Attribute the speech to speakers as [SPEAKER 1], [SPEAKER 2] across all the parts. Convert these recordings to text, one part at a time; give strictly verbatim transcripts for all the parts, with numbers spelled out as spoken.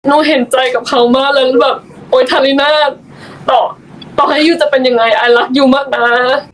[SPEAKER 1] หนูเห็นใจกับเขามากแล้วแบบโอ๊ยทาริน่าต่อต่อให้ยูจะเป็นยังไงไอรักยูมากนะ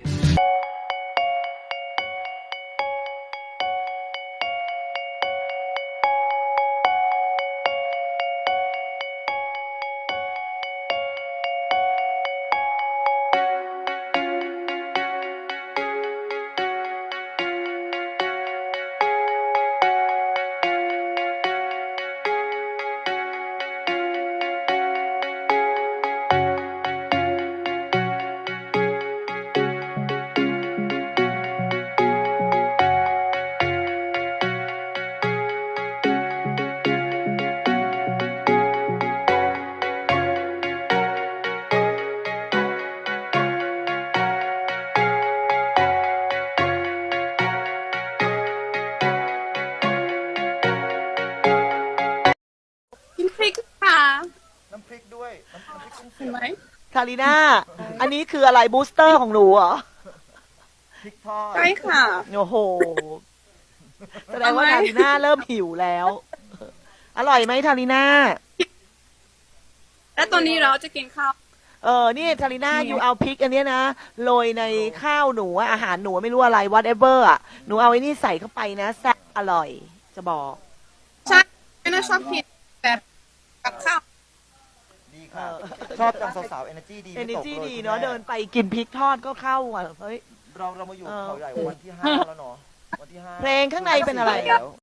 [SPEAKER 2] กินพริกค่ะ
[SPEAKER 3] น้ำพริกด้วยน้ำน้ำพริกกุ้งเสี
[SPEAKER 2] เห็น
[SPEAKER 3] ยบ
[SPEAKER 2] ไหม
[SPEAKER 4] คาริน่า อันนี้คืออะไรบูสเตอร์ของหนูเหรอ
[SPEAKER 3] พริกทอด
[SPEAKER 2] ใช่ค่ะ
[SPEAKER 4] โอ้โห แสดงว่าทาริน่าเริ่มหิวแล้ว อร่อยไหมทาริน่า
[SPEAKER 2] แล้วตอนนี้เราจะกินข้าว
[SPEAKER 4] เออ นี่ทาริน่าอยู่เอาพริกอันเนี้ยนะ โรยในข้าวหนูอะอาหารหนูไม่รู้อะไร whatever อะหนูเอาไอ้นี่ใส่เข้าไปนะแซ่บอร่อย จะบอก
[SPEAKER 2] ใช่ไม่น่าชอบกินแบบกับข้าว
[SPEAKER 3] ดีค่ะ ชอบจังสาวๆ energy ดี
[SPEAKER 4] เอ
[SPEAKER 3] ไม่
[SPEAKER 4] เน
[SPEAKER 3] ตก
[SPEAKER 4] จี
[SPEAKER 3] เลย
[SPEAKER 4] ดี
[SPEAKER 3] คุณ
[SPEAKER 4] เนาะ
[SPEAKER 3] แม่
[SPEAKER 4] เดินไปกินพริกทอดก็เข้าอ่ะเฮ้ย
[SPEAKER 3] เราเรามาอยู่
[SPEAKER 4] เออ
[SPEAKER 3] เขาใหญ่วันที่ห้าแล้วเนาะวันที่ห้า
[SPEAKER 4] เพลงข้างในเป็นอะไร
[SPEAKER 3] แล้ว